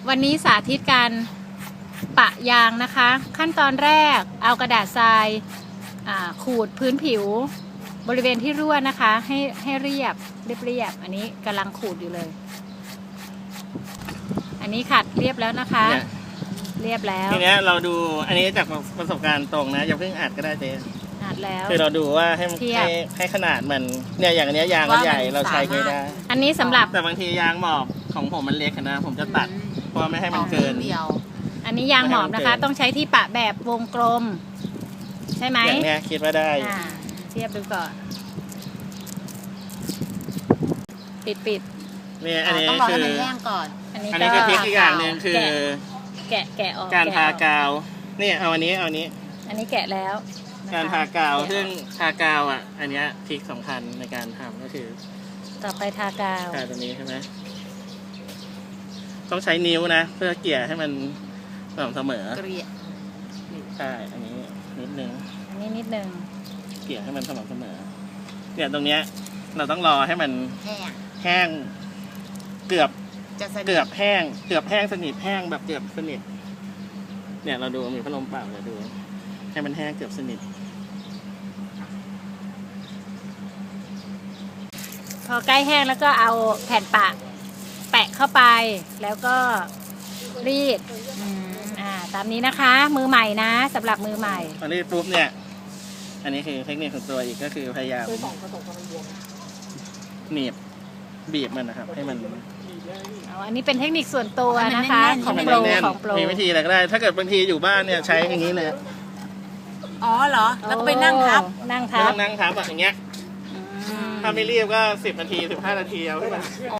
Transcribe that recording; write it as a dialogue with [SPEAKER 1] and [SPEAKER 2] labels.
[SPEAKER 1] วันนี้สาธิตการปะยางนะคะ ขั้นตอนแรกเอากระดาษทรายขูดพื้นผิวบริเวณที่รั่วนะคะให้เรียบอันนี้กำลังขูดอยู่เลย อันนี้ขัดเรียบแล้วนะคะ เรียบแล้ว
[SPEAKER 2] ทีนี้เราดูอันนี้จากประสบการณ์ตรงนะอย่าเพิ่งอัดก็ได้เจ๊
[SPEAKER 1] อัดแล้ว
[SPEAKER 2] คือเราดูว่าให้ขนาดมันเนี่ยอย่างนี้ยางมันใหญ่เราใช้ไม่ได้
[SPEAKER 1] อันนี้สำหรับ
[SPEAKER 2] แต่บางทียางหมอบของผมมันเล็กนะผมจะตัดเพราะไม่ให้มันเกิน
[SPEAKER 1] อันนี้ยางหมอบนะคะต้องใช้ที่ปะแบบวงกลมใช่ไหม
[SPEAKER 2] อย่างนี้คิดว่าได้
[SPEAKER 1] เทียบดูก่อนปิด
[SPEAKER 2] เนี่ยอันนี้
[SPEAKER 3] ต้องรอให้มันแห้งก่อน
[SPEAKER 2] อันนี้คือทริคอีกอย่างหนึ่งคือ
[SPEAKER 1] แกะออก
[SPEAKER 2] การทากาวนี่เอาอันนี้อัน
[SPEAKER 1] นี้แกะแล้ว
[SPEAKER 2] การทากาวซึ่งทากาวอันนี้ทริคสำคัญในการทำก็คือ
[SPEAKER 1] ต่อไปทากาว
[SPEAKER 2] ตัวนี้ใช่ไหมต้องใช้นิ้วนะเพื่อเกลี่ยให้มันสม่ำเสมอใช่อันนี้นิดนึงเกลี่ยให้มันสม่ำเสมอเนี่ยตรงเนี้ยเราต้องรอให้มันแห้งเกือบแห้งสนิทแห้งแบบเกือบสนิทเนี่ยเราดูมีพัดลมเป่าเราดูให้มันแห้งเกือบสนิท
[SPEAKER 1] พอใกล้แห้งแล้วก็เอาแผ่นปะแปะเข้าไปแล้วก็รีดตามนี้นะคะมือใหม่นะสำหรับมือใหม่
[SPEAKER 2] พอรีดปุ๊บเนี่ยอันนี้คือเทคนิคของตัวอีกก็คือพยายามหนีบบีบมันนะครับให้มัน
[SPEAKER 1] อันนี้เป็นเทคนิคส่วนตัวนะคะของโปร
[SPEAKER 2] มีวิธีอะไรก็ได้ถ้าเกิดบางทีอยู่บ้านเนี่ยใช้อย่างนี้เลย
[SPEAKER 3] อ๋อเหรอแล้วก็ไปนั่งทับ
[SPEAKER 2] อย่างเงี้ยถ้าไม่รีบก็10 นาที 15 นาทีเอาให้มัน